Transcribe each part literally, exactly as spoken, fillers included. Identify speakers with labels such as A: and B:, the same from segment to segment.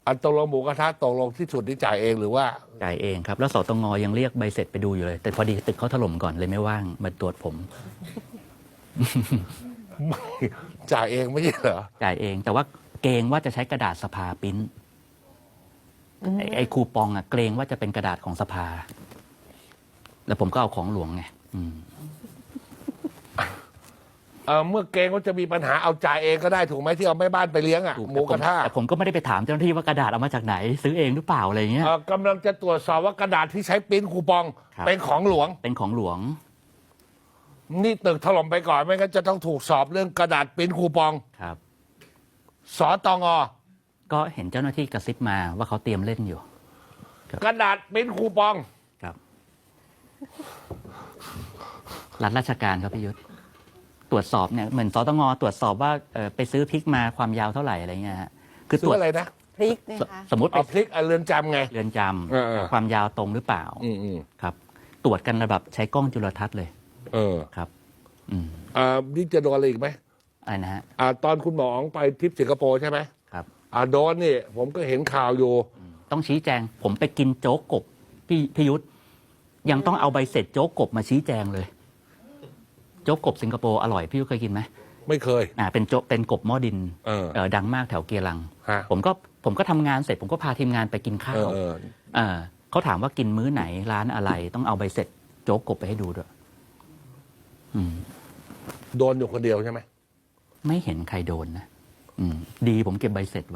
A: อันตกลงหมูกระทะตกลงที่สุดที่จ่ายเองหรือว่า
B: จ่ายเองครับ แล้วสตงยังเรียกใบเสร็จไปดูอยู่เลย แต่พอดีตึกเขาถล่มก่อนเลยไม่ว่างมาตรวจผม
A: ไม่จ่ายเองไม่ใช่เหรอ
B: จ่ายเอง แต่ว่าเกรงว่าจะใช้กระดาษสภาปริ้นไอ้ไอ้คูปองอะเกรงว่าจะเป็นกระดาษของสภา แล้วผมก็เอาของหลวงไงอืม
A: เออเมื่อเกรงว่าจะมีปัญหาเอาจ่ายเองก็ได้ถูกไหมที่เอาแม่บ้านไปเลี้ยงอ่ะ
B: ถูก
A: หมูกระทะ
B: แต่ผมก็ไม่ได้ไปถามเจ้าหน้าที่ว่ากระดาษเอามาจากไหน ซื้อเองหรือเปล่าอะไรเงี้ย
A: เอ่อกำลังจะตรวจสอบว่ากระดาษที่ใช้ปริ้นคูปอง
B: ครับ
A: เป็นของหลวง
B: เป็นของหลวง
A: นี่ตึกถล่มไปก่อนไม่งั้นจะต้องถูกสอบเรื่องกระดาษปริ้นคูปอง
B: ครับ
A: สตง
B: ก็เห็นเจ้าหน้าที่กระซิบมาว่าเขาเตรียมเล่นอยู่
A: กระดาษปริ้นคูปอง
B: ครับรัฐราชการครับพี่ยุทธตรวจสอบเนี่ยเหมือนสตงตรวจสอบว่าเอ่อไปซื้อพริกมาความยาวเท่าไหร่อะไรเงี้ยฮะคือ
A: ซื้
B: ตร
A: อ
B: วจ
A: อะไรนะ
C: พริกนะ
B: ส
C: คะ
B: สมมติไป
A: เอาพลิกเอาเรือนจำไง
B: เรือนจ
A: เออเออ
B: ำความยาวตรงหรือเปล่า
A: อืมอืม
B: ครับ ตรวจกันระดับใช้กล้องจุลทรรศน์เลย
A: เออ
B: ครับ อืม
A: อ่านี่จะโดนอะไรอีกไหม
B: อะไรนะฮะ
A: อ่าตอนคุณหมออ๋องไปทริปสิงคโปร์ใช่ไหม
B: ครับ
A: อ่าโดนนี่ผมก็เห็นข่าวอยู่
B: ต้องชี้แจง ผมไปกินโจ๊กกบพี่พี่ยุทธยังต้องเอาใบเสร็จโจ๊กกบมาชี้แจงเลย โจ๊กกบสิงคโปร์อร่อยพี่ยุทธเคยกินไหม
A: ไม่เคย
B: อ่าเป็นโจ๊กเป็นกบหม้อดิน
A: เออ
B: เอ่อดังมากแถวเกียรัง
A: ฮะ
B: ผมก็ผมก็ทำงานเสร็จ ผมก็พาทีมงานไปกินข้า
A: เอ
B: ว
A: อเออ
B: เอ่อเขาถามว่ากินมื้อไหนร้านอะไร ต้องเอาใบเสร็จโจ๊กกบไปให้ดูด้วยอืม
A: โดนอยู่คนเดียวใช่ไหม
B: ไม่เห็นใครโดนนะอืม ดีผมเก็บใบเสร็จไว้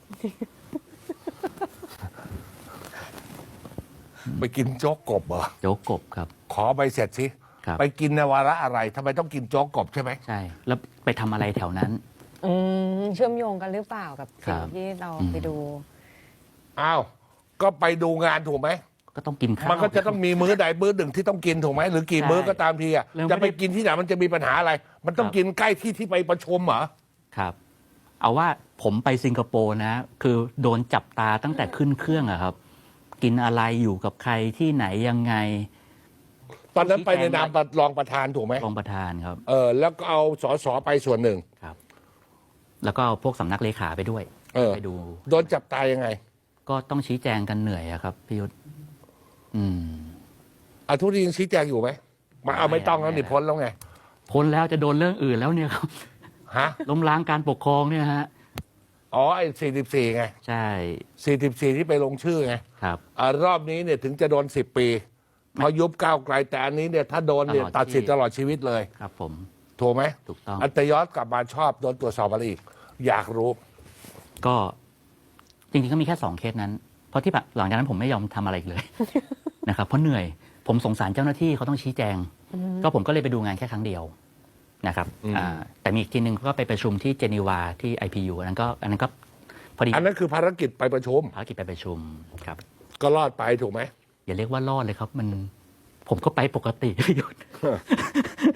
A: ไปกินโจ๊กกบเหรอ
B: โจ๊กกบครับ
A: ขอใบเสร็จสิ
B: ครับ
A: ไปกินในวาระอะไรทำไมต้องกินโจ๊กกบใช่ไหม
B: ใช่ แล้วไปทำอะไรแถวนั้น
C: อืมเชื่อมโยงกันหรือเปล่ากับ
B: ครั
C: สิ่ง
B: บ
C: ที่เรา
B: อืม
C: ไปดู
A: อ้าวก็ไปดูงานถูกไหม
B: ก็ต้องกินข้าว
A: มันก็จะต้องมีมื้อใดมื้อหนึ่งที่ต้องกินถูกไหมหรือกี่
B: ใช่
A: มื้อก็ตามทีอ่ะ
B: แล้วไม่
A: จะไป
B: ได้
A: กินที่ไหนมันจะมีปัญหาอะไร มันต้อง
B: ครับ
A: กินใกล้ที่ที่ไปประชุมเหรอ
B: ครับ เอาว่าผมไปสิงคโปร์นะ คือโดนจับตาตั้งแต่ขึ้นเครื่องอะครับ กินอะไรอยู่กับใครที่ไหนยังไง
A: ตอนนั้นไปในนามรองประธานถูกไหม
B: รองประธานครับ
A: เออแล้วก็เอาสสไปส่วนหนึ่ง
B: ครับ แล้วก็เอาพวกสำนักเลขาไปด้วย
A: เออ
B: ไปดู
A: โดนจับตายยังไง
B: ก็ต้องชี้แจงกันเหนื่อยอะครับพี่ยุทธอืม
A: อาทุกทียังชี้แจงอยู่ไหมมาเอาไม่ต้องแล้วนี่พ้นแล้วไง
B: พ้นแล้วจะโดนเรื่องอื่นแล้วเนี่ยครับ
A: ฮะ
B: ล้มล้างการปกครองเนี่ยฮะ
A: อ๋อไอ้สี่สิบสี่ไง
B: ใช่
A: สี่สิบสี่ที่ไปลงชื่อไง
B: ครับ
A: อ่ารอบนี้เนี่ยถึงจะโดนสิบปีเพราะยุบก้าวไกลแต่อันนี้เนี่ยถ้าโดนเนี่ย
B: ตลอด
A: ตัดสิทธิ์
B: ชีวิต
A: ตลอดชีวิตเลย
B: ครับผม
A: ถูกไหม
B: ถูกต้อง
A: อันตยอดกลับมาชอบโดนตรวจสอบอะไรอีก อยากรู้
B: ก็จริงๆก็มีแค่สองเคสนั้น เพราะที่หลังจากนั้นผมไม่ยอมทำอะไรอีกเลย นะครับเพราะเหนื่อย ผมสงสารเจ้าหน้าที่เขาต้องชี้แจง ก็ผมก็เลยไปดูงานแค่ครั้งเดียวนะครับ
A: อืม
B: อ่าแต่มีอีกทีหนึ่งก็ไปประชุมที่เจนีวาที่ ไอ พี ยู อันนั้นก็อันนั้นก็พอดี
A: อันนั้นคือภารกิจไปประชุม
B: ภารกิจไปประชุมครับ
A: ก็รอดไปถูกไหม
B: อย่าเรียกว่ารอดเลยครับ มันผมก็ไปปกติ พี่ยุทธ